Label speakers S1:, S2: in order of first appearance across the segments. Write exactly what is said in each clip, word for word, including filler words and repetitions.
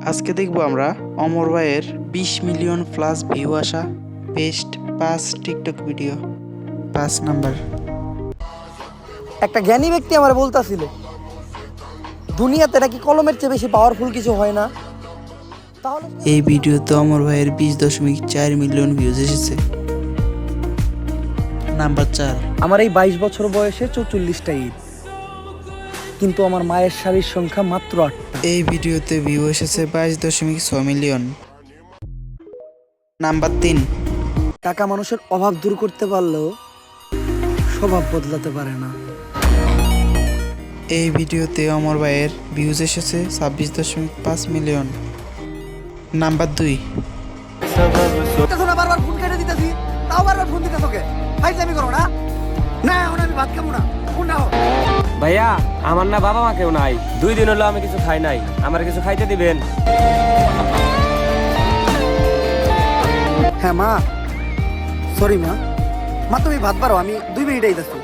S1: আজকে দেখবো আমরা অমর ভাইয়ের বিশ মিলিয়ন প্লাস ভিউ আসা বেস্ট পাঁচ টিকটক ভিডিও। পাঁচ নাম্বার,
S2: একটা জ্ঞানী ব্যক্তি আমার বলতাছিল দুনিয়াতে নাকি কলমের চেয়ে বেশি পাওয়ারফুল কিছু হয় না। তাহলে
S1: এই ভিডিওতে অমর ভাইয়ের বিশ দশমিক চার মিলিয়ন ভিউজ এসেছে। নাম্বার চার,
S2: আমার এই বাইশ বছর বয়সে চৌচল্লিশটা ঈদ, কিন্তু আমার মায়ের শাড়ির সংখ্যা মাত্র আটটা।
S1: এই ভিডিওতে ভিউ এসেছে বাইশ দশমিক ছয় মিলিয়ন। নাম্বার তিন,
S2: টাকা মানুষের অভাব দূর করতে পারলেও স্বভাব বদলাতে পারে না।
S1: এই ভিডিওতে অমর ভাইয়ের ভিউজ এসেছে ছাব্বিশ দশমিক পাঁচ মিলিয়ন। নাম্বার দুই,
S2: বারবার ফোন কেটে দিতেছি, তাও বারবার ফোন দিতে তোকে ফাইজলামি করো না। না এখন আমি ভাত খাবো না, ফোন নাও।
S3: ভাইয়া আমার না বাবা মা কেউ নাই, দুই দিন হলো আমি কিছু খাই নাই, আমার কিছু খাইতে দিবেন?
S2: হ্যাঁ মা, সরি মা, মা তুমি ভাত পারো, আমি দুই মিনিট আইতাছি।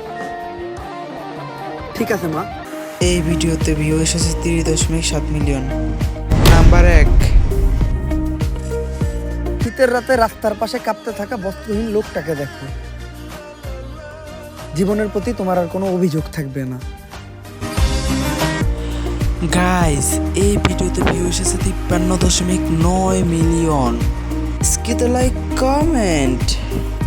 S2: ঠিক আছে মা।
S1: এই ভিডিওতে ভিউ এসেছে তিরিশ দশমিক সাত মিলিয়ন। নাম্বার এক,
S2: শীতের রাতে রাস্তার পাশে কাঁপতে থাকা বস্ত্রহীন লোকটাকে দেখো, জীবনের প্রতি তোমার আর কোনো অভিযোগ থাকবে না।
S1: গাইস এই ভিডিওতে ভিউ এসেছে তিপ্পান্ন দশমিক নয় million. Skip the like comment.